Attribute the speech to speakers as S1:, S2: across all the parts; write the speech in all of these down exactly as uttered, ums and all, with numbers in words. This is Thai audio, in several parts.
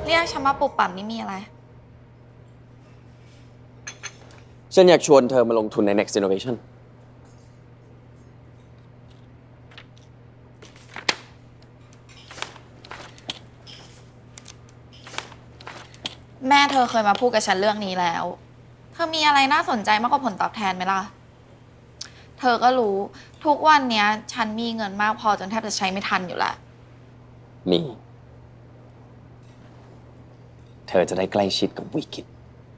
S1: เรียกฉันมาปลุกปั่มนี่มีอะไร
S2: ฉันอยากชวนเธอมาลงทุนใน Next Innovation
S1: แม่เธอเคยมาพูดกับฉันเรื่องนี้แล้ว เธอมีอะไรน่าสนใจมากกว่าผลตอบแทนไหมล่ะ เธอก็รู้ทุกวันนี้ฉันมีเงินมากพอจนแทบจะใช้ไม่ทันอยู่แล้ว
S2: มี เธอจะได้ใกล้ชิดกับวิกฤต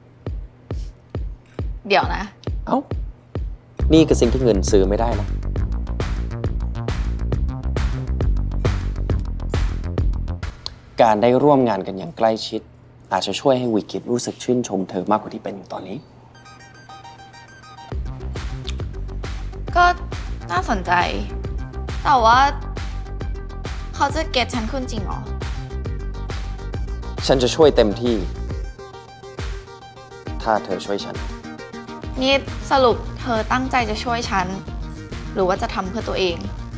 S1: เดี๋ยวนะ
S2: เอ้า นี่คือสิ่งที่เงินซื้อไม่ได้นะ การได้ร่วมงานกันอย่างใกล้ชิด อาจจะช่วยให้วิกฤตรู้สึกชื่นชมเธอมากกว่าที่เป็นอยู่ตอนนี้
S1: ก็น่าสนใจ แต่ว่าเขาจะเก็ตฉันขึ้นจริงเหรอ
S2: ฉันจะช่วยเต็มที่ ถ้าเธอช่วยฉัน
S1: นี่สรุปเธอตั้งใจจะช่วยฉัน หรือว่าจะทำเพื่อตัวเอง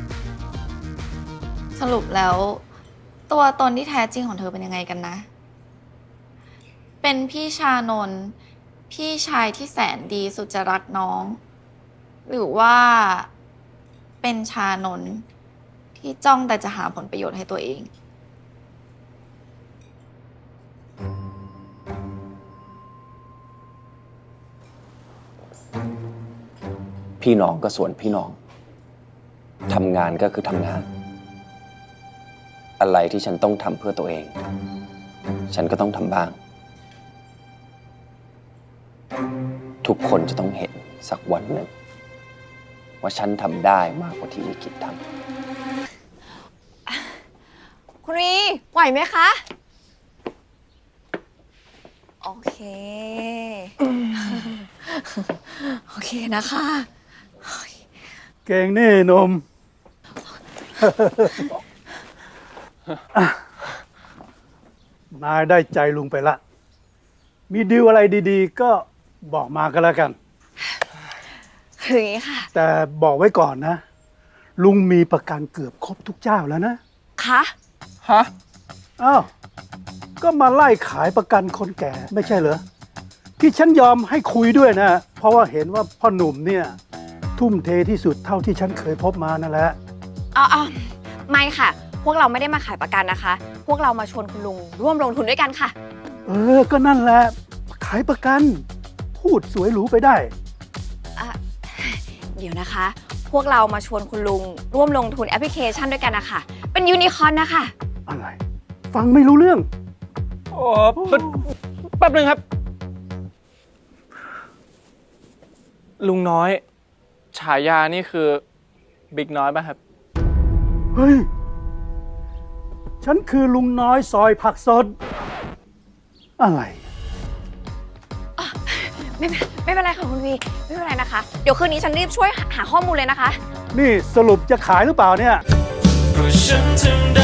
S1: สรุปแล้ว ตัวตนที่แท้จริงของเธอเป็นยังไงกันนะ เป็นพี่ชานนท์พี่ชายที่แสนดีสุดจะรักน้อง หรือว่าเป็นชานนท์ที่จ้องแต่จะหาผลประโยชน์ให้ตัวเอง
S2: พี่น้องก็ส่วนพี่น้อง ทำงานก็คือทำงาน อะไรที่ฉันต้องทำเพื่อตัวเอง ฉันก็ต้องทำบ้าง ทุกคนจะต้องเห็นสักวันหนึ่งว่าฉันทำได้มากกว่าที่วิกฤตท
S3: ำคุณวีไหวไหมคะ โอเค โอเคนะคะ
S4: เก่งนี่นม นายได้ใจลุงไปละ มีดีลอะไรดีๆ ก็บอกมาก็แล้วกัน
S3: คืออย่างนี้ค่ะ
S4: แต่บอกไว้ก่อนนะ ลุงมีประกันเกือบครบทุกเจ้าแล้วนะ
S3: คะ
S5: ฮะ
S4: อ้าว ก็มาไล่ขายประกันคนแก่ไม่ใช่เหรอ ที่ฉันยอมให้คุยด้วยนะ เพราะว่าเห็นว่าพ่อหนุ่มเนี่ย ทุ่มเทที่สุดเท่าที่ฉันเคยพบมานั่นแหละ
S3: อ๋อไม่ค่ะ พวกเราไม่ได้มาขายประกันนะคะ พวกเรามาชวนคุณลุงร่วมลงทุนด้วยกันค่ะ
S4: เออ ก็นั่นแหละ ขายประกัน พูดสวยหรูไปได้
S3: อ่ะ เดี๋ยวนะคะ พวกเรามาชวนคุณลุงร่วมลงทุนแอปพลิเคชันด้วยกันนะคะเป็นยูนิคอร์นนะคะ
S4: อะไร ฟังไม่รู้เรื่อง
S5: โอ้แป๊บนึงครับ ลุงน้อย ฉายานี่คือบิ๊กน้อยป่ะครับ
S4: เฮ้ย ฉันคือลุงน้อยซอยผักสด อะไร
S3: ไม่ไม่เป็นไรค่ะคุณวีไม่เป็นไรนะคะ เดี๋ยวคืนนี้ฉันรีบช่วยหาข้อมูลเลยนะคะ
S4: นี่สรุปจะขายหรือเปล่าเนี่ย
S6: เพราะฉันทำได้